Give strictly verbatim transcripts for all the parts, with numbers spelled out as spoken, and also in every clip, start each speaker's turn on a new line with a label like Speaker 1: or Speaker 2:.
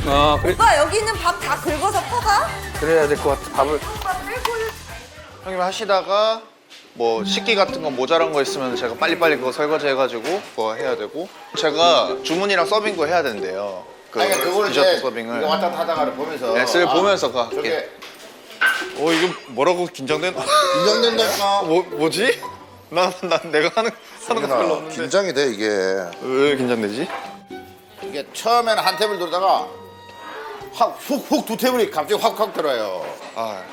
Speaker 1: 아 그래.
Speaker 2: 오빠 여기 있는 밥 다 긁어서 퍼가?
Speaker 1: 그래야 될 것 같아. 밥을.
Speaker 3: 형님 하시다가 뭐 식기 같은 거 모자란 거 있으면 제가 빨리빨리 그거 설거지 해가지고 그거 해야 되고 제가 주문이랑 서빙도 해야 된대요. 그
Speaker 4: 아니 그거를
Speaker 3: 디저트
Speaker 4: 이제
Speaker 3: 서빙을.
Speaker 4: 이거 왔다 하다가 보면서
Speaker 3: 네, 쓸
Speaker 4: 아,
Speaker 3: 보면서 가.
Speaker 4: 저게
Speaker 3: 어 이거 뭐라고 긴장된?
Speaker 4: 긴장된다니까.
Speaker 3: 뭐 뭐지? 난, 난 내가 하는 하는 거 별로
Speaker 4: 승윤아,
Speaker 3: 없는데.
Speaker 4: 긴장이 돼 이게.
Speaker 3: 왜 긴장되지?
Speaker 4: 이게 처음에는 한 테이블 돌다가 확 훅훅 두 테이블이 갑자기 확확 들어요.
Speaker 3: 아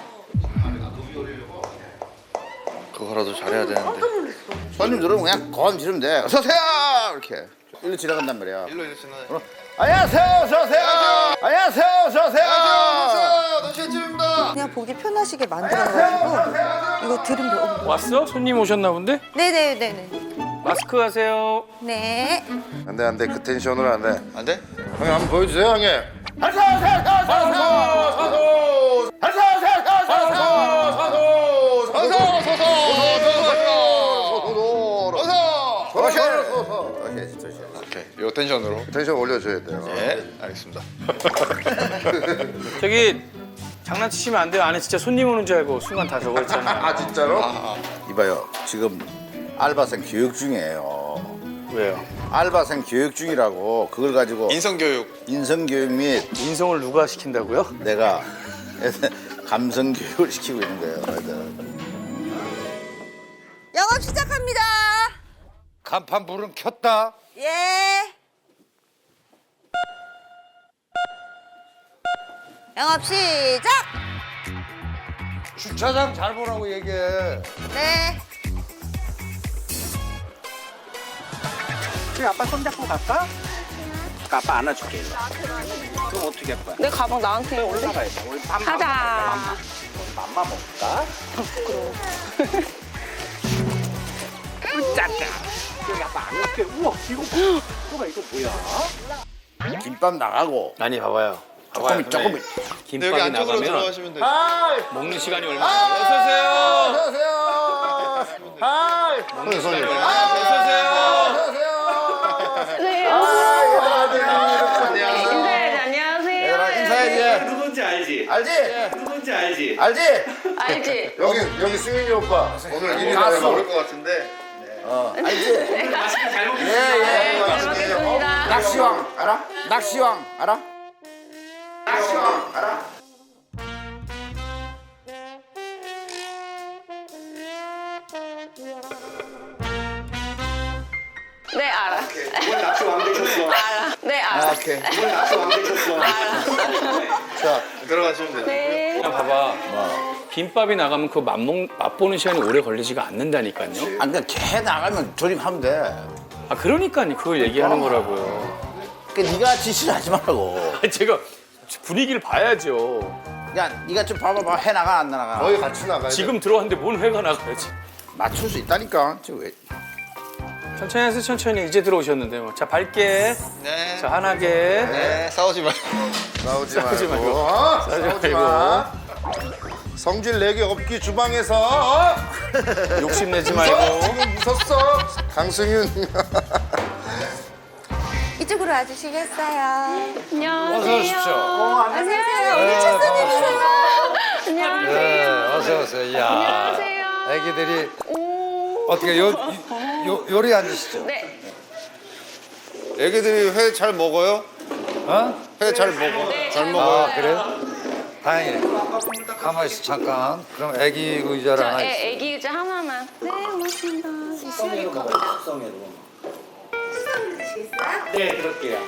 Speaker 3: 그거라도 잘해야 되는데.
Speaker 4: 손님 들어오면 그냥 고함 지르면 돼. 어서 오세요 이렇게 일로 지나간단 말이야.
Speaker 3: 일로 이러시나?
Speaker 4: 어? 안녕하세요 어서 오세요. 안녕하세요 어서 오세요.
Speaker 3: 안녕하세요. 노시집입니다.
Speaker 2: 그냥 보기 편하시게 만들어가지고 이거 들으면
Speaker 1: 왔어? 손님 오셨나 본데?
Speaker 2: 네네네네.
Speaker 1: 마스크 하세요.
Speaker 2: 네.
Speaker 4: 안돼 안돼 그 텐션으로 안 돼.
Speaker 3: 안 돼?
Speaker 4: 형님 한번 보여주세요 형님. 어서 오세요 어서 오세요. 어서 오세요 어서 오세요.
Speaker 3: 어서 어서 어서 오케이 요 텐션으로.
Speaker 4: 텐션 올려줘야 돼요.
Speaker 3: 네 알겠습니다.
Speaker 1: 저기 장난치시면 안 돼요. 안에 진짜 손님 오는 줄 알고 순간 다 저거 했잖아.
Speaker 4: 아 진짜로?
Speaker 3: 아,
Speaker 4: 이봐요 지금 알바생 교육 중이에요.
Speaker 1: 왜요?
Speaker 4: 알바생 교육 중이라고 그걸 가지고
Speaker 3: 인성교육.
Speaker 4: 인성교육 및
Speaker 1: 인성을 누가 시킨다고요?
Speaker 4: 내가 감성교육을 시키고 있는 거예요. 애들.
Speaker 2: 영업 시작합니다.
Speaker 4: 간판 불은 켰다.
Speaker 2: 예. 영업 시작.
Speaker 4: 주차장 잘 보라고 얘기해.
Speaker 2: 네.
Speaker 1: 아빠 손잡고 갈까? 아빠 안아줄게. 그럼 어떻게 할 거야?
Speaker 5: 내 가방 나한테 올래?
Speaker 1: 올라가야 돼. 우리 맘마
Speaker 5: 가자.
Speaker 1: 맘마 먹을까? 부끄러워. 짜짜. 여기 아빠 안 올게. 우와 이거 뭐가 이거 뭐야?
Speaker 4: 김밥 나가고
Speaker 1: 아니 봐봐요.
Speaker 4: 조금 조금.
Speaker 3: 근데
Speaker 1: 김밥이
Speaker 3: 여기 안쪽으로
Speaker 1: 나가면
Speaker 3: 들어가시면 돼요.
Speaker 1: 먹는 시간이 얼마나? 어서 오세요.
Speaker 4: 어서오세요. 하이.
Speaker 1: 먹는 시간이
Speaker 4: 아,
Speaker 1: 얼마나? 어서 오세요.
Speaker 4: 어서오세요.
Speaker 5: 인사해야지. 안녕하세요.
Speaker 4: 얘들아 인사해야지.
Speaker 1: 누군지 알지?
Speaker 4: 알지?
Speaker 1: 누군지 알지?
Speaker 4: 알지?
Speaker 5: 알지?
Speaker 4: 여기 여기 승윤이 오빠 오늘 일이
Speaker 3: 가수
Speaker 4: 나고
Speaker 3: 모를 것 같은데.
Speaker 4: 어 알지?
Speaker 1: 맛있게 잘 먹겠습니다.
Speaker 4: 예예.
Speaker 5: 네, 잘 먹겠습니다.
Speaker 4: 낚시왕 알아? 낚시왕 알아? 낚시왕 알아?
Speaker 5: 네, 알아.
Speaker 1: 오늘 낚시 왕 되셨어.
Speaker 5: 알아. 네, 알아.
Speaker 4: 아 오케이.
Speaker 1: 오늘 낚시 왕 되셨어.
Speaker 4: 자
Speaker 3: 들어가시면 돼요.
Speaker 5: 네.
Speaker 1: 그냥 봐봐. 김밥이 나가면 그 맛먹, 맛보는 시간이 오래 걸리지가 않는다니까요.
Speaker 4: 아 그러니까 걔 나가면 조립하면 돼.
Speaker 1: 아 그러니까요. 그걸 얘기하는 거라고요.
Speaker 4: 그러니까 네가 지시를 하지 말라고.
Speaker 1: 아, 제가 분위기를 봐야죠.
Speaker 4: 야 네가 좀 봐봐봐 해 나가 안 나가. 거의 같이 나가.
Speaker 1: 지금 들어왔는데 뭔 회가 나가야지.
Speaker 4: 맞출 수 있다니까. 지금 왜?
Speaker 1: 천천히 하세요. 천천히. 이제 들어오셨는데 뭐. 자 밝게.
Speaker 3: 네.
Speaker 1: 자 환하게.
Speaker 3: 네 싸우지 마.
Speaker 4: 싸우지
Speaker 1: 싸우지 말고.
Speaker 4: 말고. 어?
Speaker 1: 싸우지
Speaker 4: 싸우지
Speaker 1: 말고.
Speaker 4: 마. 성질 내기 없기 주방에서. 어?
Speaker 1: 욕심내지
Speaker 4: 무서-
Speaker 1: 말고.
Speaker 4: 지금 무섭어. 강승윤.
Speaker 2: 이쪽으로 와주시겠어요?
Speaker 5: 안녕하세요.
Speaker 6: 어서 오십시오.
Speaker 2: 안녕하세요. 우리 첫 손님이세요.
Speaker 5: 안녕하세요.
Speaker 6: 네, 어서 오세요. 이야,
Speaker 5: 안녕하세요.
Speaker 6: 애기들이
Speaker 5: 오.
Speaker 6: 어떻게 요, 요 요리 앉으시죠?
Speaker 5: 네.
Speaker 3: 애기들이 회 잘 먹어요?
Speaker 6: 어?
Speaker 3: 회 잘 먹어.
Speaker 5: 네,
Speaker 3: 잘
Speaker 5: 잘
Speaker 3: 먹어요.
Speaker 6: 아 그래요? 다행이네. 가만히 있어 잠깐. 그럼 애기 의자를 하나
Speaker 5: 저
Speaker 6: 있어.
Speaker 5: 애, 애기 의자 하나만. 네, 고맙습니다.
Speaker 1: 숙성으로 가봐요. 숙성으로. 네 그럴게요.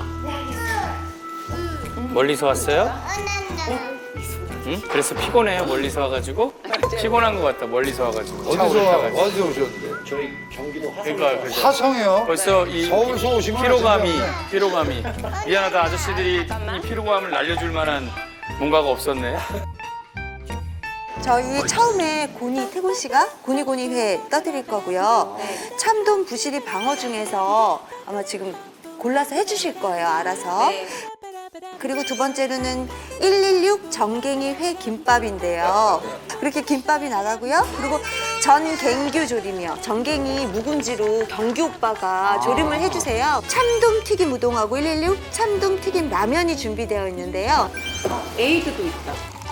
Speaker 1: 멀리서 왔어요? 응? 그래서 피곤해요. 멀리서 와가지고 피곤한 것 같다. 멀리서 와가지고 차
Speaker 6: 어디서 와-
Speaker 1: 오르다가.
Speaker 6: 어디서 오셨는데?
Speaker 1: 저희 경기도 화성. 그러니까 그래서
Speaker 6: 화성이요?
Speaker 1: 벌써 이
Speaker 6: 서울서 오신 건
Speaker 1: 피로감이
Speaker 6: 아니죠?
Speaker 1: 피로감이 미안하다 아저씨들이 이 피로감을 날려줄 만한 뭔가가 없었네.
Speaker 2: 저희 처음에 고니 태곤 씨가 고니고니 회 떠드릴 거고요. 참돔 부시리 방어 중에서 아마 지금 골라서 해주실 거예요. 알아서. 그리고 두 번째로는 일일육 정갱이 회 김밥인데요. 그렇게 김밥이 나가고요. 그리고 전갱규 조림이요. 정갱이 묵은지로 경규 오빠가 조림을 해주세요. 참돔 튀김 우동하고 일일육 참돔 튀김 라면이 준비되어 있는데요.
Speaker 7: 에이드도 있다.